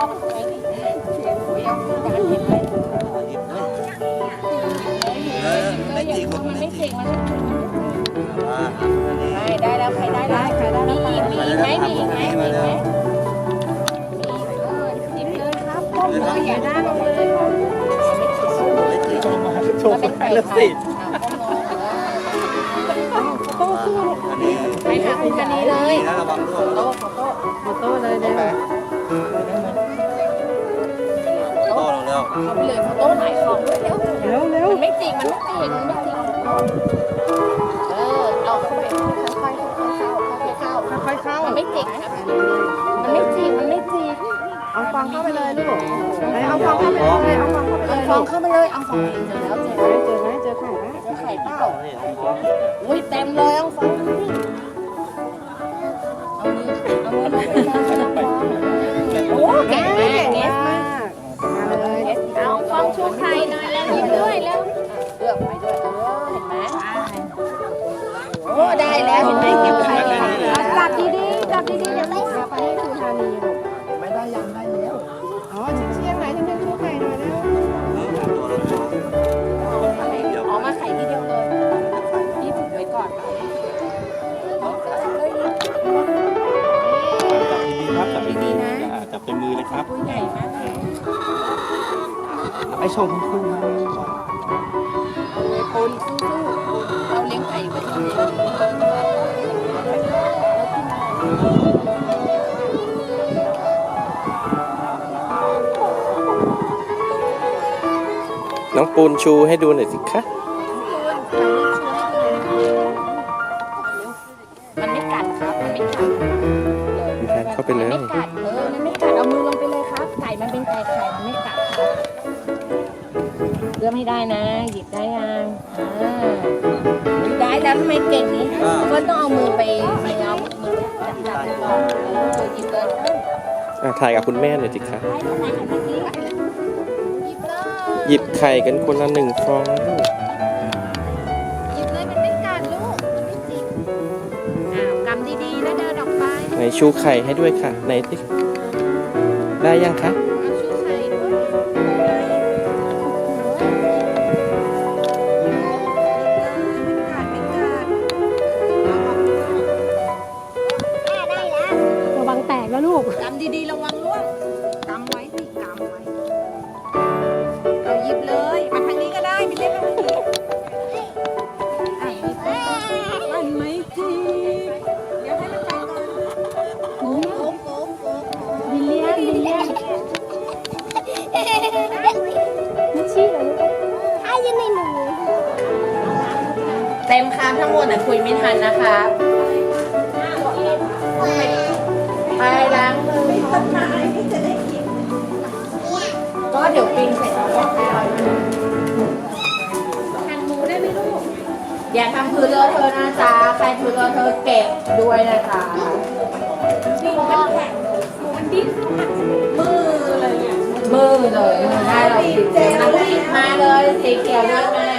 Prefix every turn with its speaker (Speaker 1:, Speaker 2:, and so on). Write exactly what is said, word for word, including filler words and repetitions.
Speaker 1: อกไว้ดิเสียงเสียงจานเห็นไหม
Speaker 2: เออไม่จีคน
Speaker 1: มัน
Speaker 2: ไม่
Speaker 1: ไม่
Speaker 2: จี
Speaker 1: เจ๋งมันไม่เจ๋ง
Speaker 2: อ่า
Speaker 1: ไม่ได้แล้วใครได้แล้วใครได้แล้วมีอีกมีอีกไหมมีอีกไหมมีอีกไหมมีหยิบเลยครับก้มเลยอย่าหน้าลงเลย
Speaker 2: ไม่จีคนมาโชว์คนไทยแล้วสิ
Speaker 1: โต้สู้ลูก
Speaker 2: อันนี้
Speaker 1: ไปหาคุณกันนี้เลย
Speaker 2: นะระวังด้วย
Speaker 1: โต้โต้โต้เลยเดี๋ยว
Speaker 2: โต้ลงแล้ว
Speaker 1: เอาไปเลยโต้หลายของด้วยเร็ว
Speaker 3: เร็วเร็ว
Speaker 1: มันไม่จริงมันไม่จริงมันไม่จริงเออเอาเข้าไปค่อยๆเข้าค่อยๆเข้า
Speaker 3: ค่อยๆเข้า
Speaker 1: มันไม่จริงครับมันไม่จริงมันไม่จริง
Speaker 3: เอาฟองเข้าไปเลยลูกไหนเอาฟองเข้าไปเลยเอาฟองเข้าไปเลย
Speaker 1: เอาฟองเข้าไปเลยเอาฟองเจอแล้วเจอแล้ว
Speaker 3: เจอไหมเจอไข่ไหม
Speaker 1: เจอไข่เปล่า
Speaker 2: นี่ของพ่อ
Speaker 1: อุ้ยเต็มเลยเอาฟองเอามือเอามือลงไปเลยโอ้เก่งมากเนสมาก
Speaker 3: มาเลย
Speaker 1: เอาฟองชูไข่หน่อยแล้วหยิบด้วยแล้วเลือกไปด้วยเออเห็นไหมโอ้ได้แล้วเห็นไหมเก็บไข่จับดีๆจับดีๆเดี๋ยวไม่
Speaker 3: เอาไปให้ครูธานีลูก
Speaker 2: ไม่ได้ยังได้แล้ว
Speaker 3: อ๋อเชียงไหนฉันจะชูไข่หน่อยเร็ว
Speaker 2: ตัวละตัว
Speaker 1: อ๋อมาไข่ทีเดียวเลยพี่ฝึกไว้ก่อน
Speaker 4: จับดีๆครับจับดีๆนะจับเต็มมือเลยครับ
Speaker 1: ตัวใหญ่มากเลย
Speaker 4: ไปชมคุณครู
Speaker 1: คนสู้ๆเราเลี้ยงไก่ไว้ที่นี่
Speaker 4: น้องปูนชูให้ดูหน่อยสิคะ
Speaker 1: มันไม่กัดครับมันไม่กัด
Speaker 4: มีการเข้าไปเล
Speaker 1: มัน
Speaker 4: ย
Speaker 1: ไม่กัดเออมันไม่กัดเอามือลงไปเลยครับ ไก่มันเป็นไก่ไข่มันไม่กัดครับเลือกให้ได้นะ หยิบได้ยังอ่าหยิบได้แล้วทำไมเก่งนี้ก็ต้องเอามือไปไปเอามือจับจับๆก่อนเออหยิบเลยนะ
Speaker 4: อ่ะถ่ายกับคุณแม่หน่อยสิคะ
Speaker 1: หยิบเลย
Speaker 4: หยิบไข่กันคนละหนึ่งฟองนะลูก
Speaker 1: หยิบเลยมันไม่กัดลูกมันไม่จิกอ้าวกำดีๆแล้วเดินออกไป
Speaker 4: ไหนชูไข่ให้ด้วยค่ะไหนสิได้ยังคะ
Speaker 1: เอาชูไข่ด้วย
Speaker 3: ระวังแตกแล้วลูก
Speaker 1: กำดีๆระวังล่วงกำไว้สิกำไว้เอาหยิบเลยมาทางนี้ก็ได้ไม่เล่นมาทางนี้อ่ะหยิบเลยมันไม่จิกเดี๋ยวให้มันไปก่อนโอ้โหโอ้โหโอ้โห
Speaker 3: บิลเลียนบิลเลียนไม่ชี้เลยลูก
Speaker 1: เต็มคำทั้งหมดแต่คุยไม่ทันนะคะไปล้างมือก็เดี๋ยวปิ้งเสร็จแล้วก็เอาหั่นหมูได้ไหมลูกอย่าทำพื้นเลอะเทอะนะจ๊ะใครพื้นเลอะเทอะเก็บด้วยนะคะหมูมันแข็งหมูมันดิ้นมือเลยเนี่ยมือเลยมือได้เราติดเจลหยิบมาเลยสีเขียวด้วยมา